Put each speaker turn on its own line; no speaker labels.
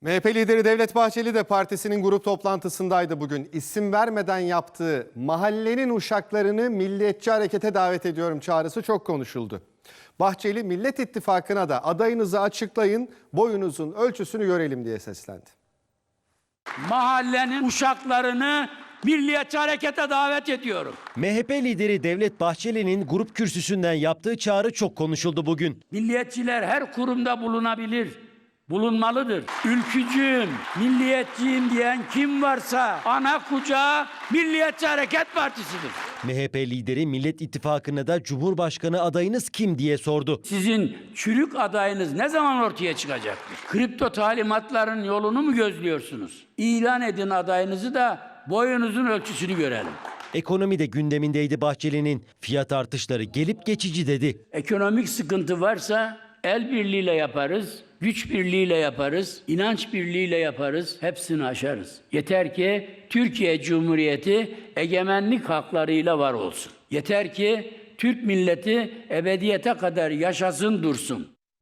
MHP lideri Devlet Bahçeli de partisinin grup toplantısındaydı bugün. İsim vermeden yaptığı mahallenin uşaklarını milliyetçi harekete davet ediyorum çağrısı çok konuşuldu. Bahçeli Millet İttifakı'na da adayınızı açıklayın, boyunuzun ölçüsünü görelim diye seslendi.
Mahallenin uşaklarını milliyetçi harekete davet ediyorum.
MHP lideri Devlet Bahçeli'nin grup kürsüsünden yaptığı çağrı çok konuşuldu bugün.
Milliyetçiler her kurumda bulunabilir, bulunmalıdır. Ülkücüyüm, milliyetçiyim diyen kim varsa ana kucağı Milliyetçi Hareket Partisi'dir.
MHP lideri Millet İttifakı'na da Cumhurbaşkanı adayınız kim diye sordu.
Sizin çürük adayınız ne zaman ortaya çıkacaktır? Kripto talimatların yolunu mu gözlüyorsunuz? İlan edin adayınızı da boyunuzun ölçüsünü görelim.
Ekonomi de gündemindeydi Bahçeli'nin. Fiyat artışları gelip geçici dedi.
Ekonomik sıkıntı varsa el birliğiyle yaparız, güç birliğiyle yaparız, inanç birliğiyle yaparız, hepsini aşarız. Yeter ki Türkiye Cumhuriyeti egemenlik haklarıyla var olsun. Yeter ki Türk milleti ebediyete kadar yaşasın dursun.